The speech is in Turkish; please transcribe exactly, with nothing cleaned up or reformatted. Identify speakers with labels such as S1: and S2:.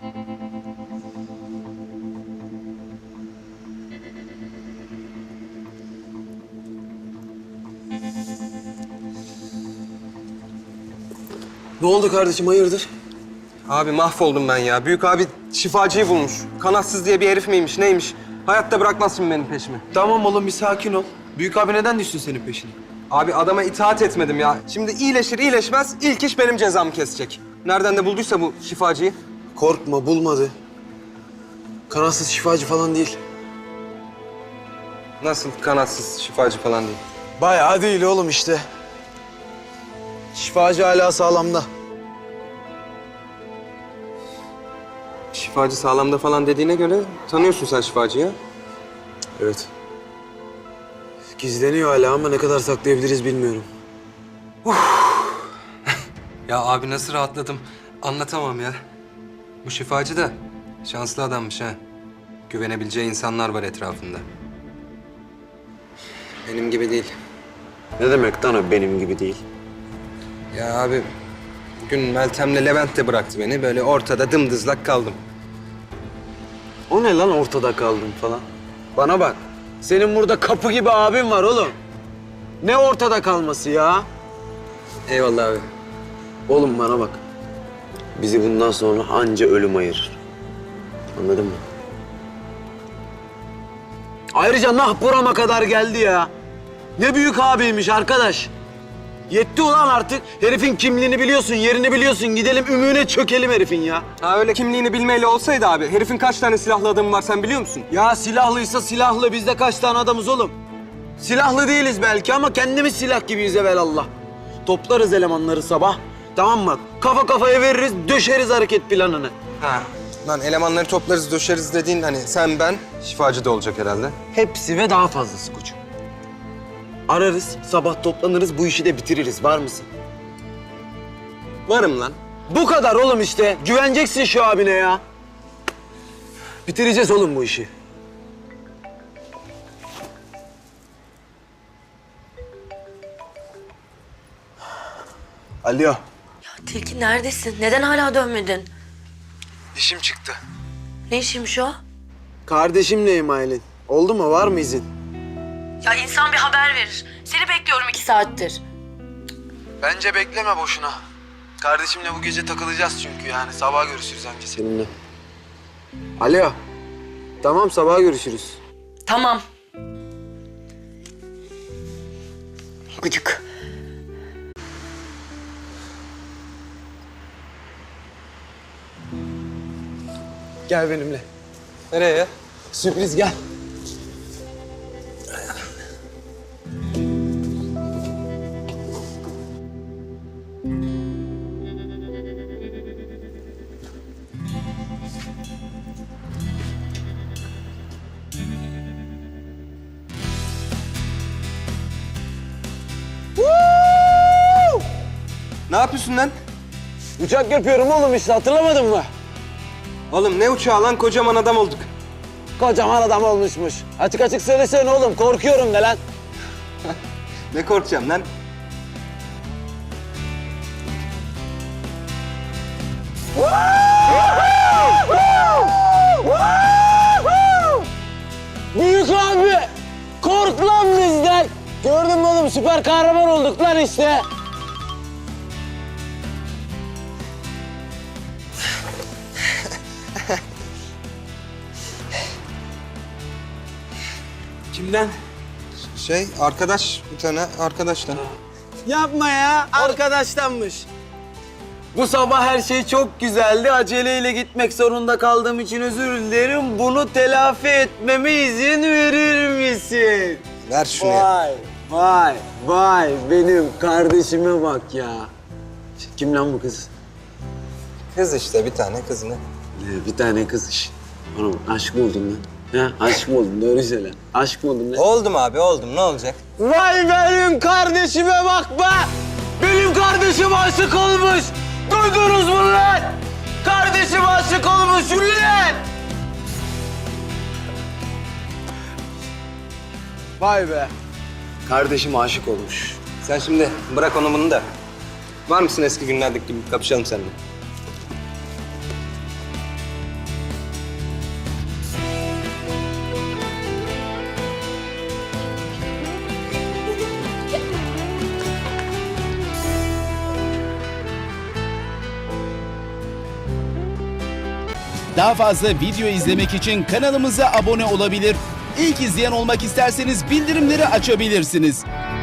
S1: Ne oldu kardeşim, hayırdır?
S2: Abi mahvoldum ben ya. Büyük abi şifacıyı bulmuş. Kanatsız diye bir herif miymiş, neymiş? Hayatta bırakmaz şimdi benim peşimi.
S1: Tamam oğlum, bir sakin ol. Büyük abi neden düşsün senin peşine?
S2: Abi adama itaat etmedim ya. Şimdi iyileşir iyileşmez ilk iş benim cezamı kesecek. Nereden de bulduysa bu şifacıyı.
S1: Korkma, bulmadı. Kanatsız şifacı falan değil.
S2: Nasıl kanatsız şifacı falan değil.
S1: Bayağı değil oğlum işte. Şifacı hala sağlamda.
S2: Şifacı sağlamda falan dediğine göre tanıyorsun sen şifacıyı.
S1: Evet. Gizleniyor hala ama ne kadar saklayabiliriz bilmiyorum.
S2: Ya abi nasıl rahatladım anlatamam ya. Bu şifacı da şanslı adammış ha. Güvenebileceği insanlar var etrafında. Benim gibi değil.
S1: Ne demek lan o benim gibi değil?
S2: Ya abi bugün Meltem'le Levent de bıraktı beni. Böyle ortada dımdızlak kaldım.
S1: O ne lan ortada kaldın falan? Bana bak. Senin burada kapı gibi abin var oğlum. Ne ortada kalması ya?
S2: Eyvallah abi.
S1: Oğlum bana bak. Bizi bundan sonra anca ölüm ayırır. Anladın mı? Ayrıca nah burama kadar geldi ya. Ne büyük abiymiş arkadaş. Yetti ulan artık. Herifin kimliğini biliyorsun, yerini biliyorsun. Gidelim ümüğüne çökelim herifin ya.
S2: Ha öyle kimliğini bilmeyle olsaydı abi. Herifin kaç tane silahlı adamı var sen biliyor musun?
S1: Ya silahlıysa silahlı. Bizde kaç tane adamız oğlum? Silahlı değiliz belki ama kendimiz silah gibiyiz evelallah. Toplarız elemanları sabah. Tamam mı? Kafa kafaya veririz, döşeriz hareket planını.
S2: Ha. Lan elemanları toplarız, döşeriz dediğin hani sen ben şifacı da olacak herhalde.
S1: Hepsi ve daha fazlası koçum. Ararız, sabah toplanırız, bu işi de bitiririz. Var mısın?
S2: Varım lan.
S1: Bu kadar oğlum işte. Güveneceksin şu abine ya. Bitireceğiz oğlum bu işi. Alo.
S3: Ya Tilki neredesin? Neden hala dönmedin?
S1: İşim çıktı.
S3: Ne işiymiş o?
S1: Kardeşimleyim Aylin. Oldu mu? Var mı izin?
S3: Ya insan bir haber verir. Seni bekliyorum iki saattir.
S1: Bence bekleme boşuna. Kardeşimle bu gece takılacağız çünkü yani. Sabah görüşürüz anca seninle. Alo. Tamam, sabah görüşürüz.
S3: Tamam. Gıcık.
S1: Gel benimle.
S2: Nereye?
S1: Sürpriz gel.
S2: Ne yapıyorsun lan?
S1: Uçak yapıyorum oğlum işte, hatırlamadın mı?
S2: Oğlum ne uçağı lan kocaman adam olduk.
S1: Kocaman adam olmuşmuş. Açık açık söylesene oğlum, korkuyorum de lan.
S2: Ne korkacağım lan?
S1: Büyük abi, kork lan bizden. Gördün mü oğlum, süper kahraman olduk lan işte. Kimden?
S2: Şey arkadaş bir tane arkadaştan.
S1: Yapma ya, arkadaştanmış. Bu sabah her şey çok güzeldi. Aceleyle gitmek zorunda kaldığım için özür dilerim. Bunu telafi etmeme izin verir misin?
S2: Ver şunu ya.
S1: Vay, vay, vay. Benim kardeşime bak ya. Kim lan bu kız?
S2: Kız işte bir tane kızını.
S1: Ee, bir tane kız iş. Oğlum aşk mı oldun lan? Ha, aşk mı oldun? Doğru söyle. Aşk mı oldun lan?
S2: Oldum abi oldum ne olacak?
S1: Vay benim kardeşime bak be! Benim kardeşim aşık olmuş! Duydunuz mu lan? Kardeşim aşık olmuş ulan! Vay be! Kardeşim aşık olmuş.
S2: Sen şimdi bırak onu bunu da. Var mısın eski günlerdeki gibi kapışalım seninle?
S4: Daha fazla video izlemek için kanalımıza abone olabilir. İlk izleyen olmak isterseniz bildirimleri açabilirsiniz.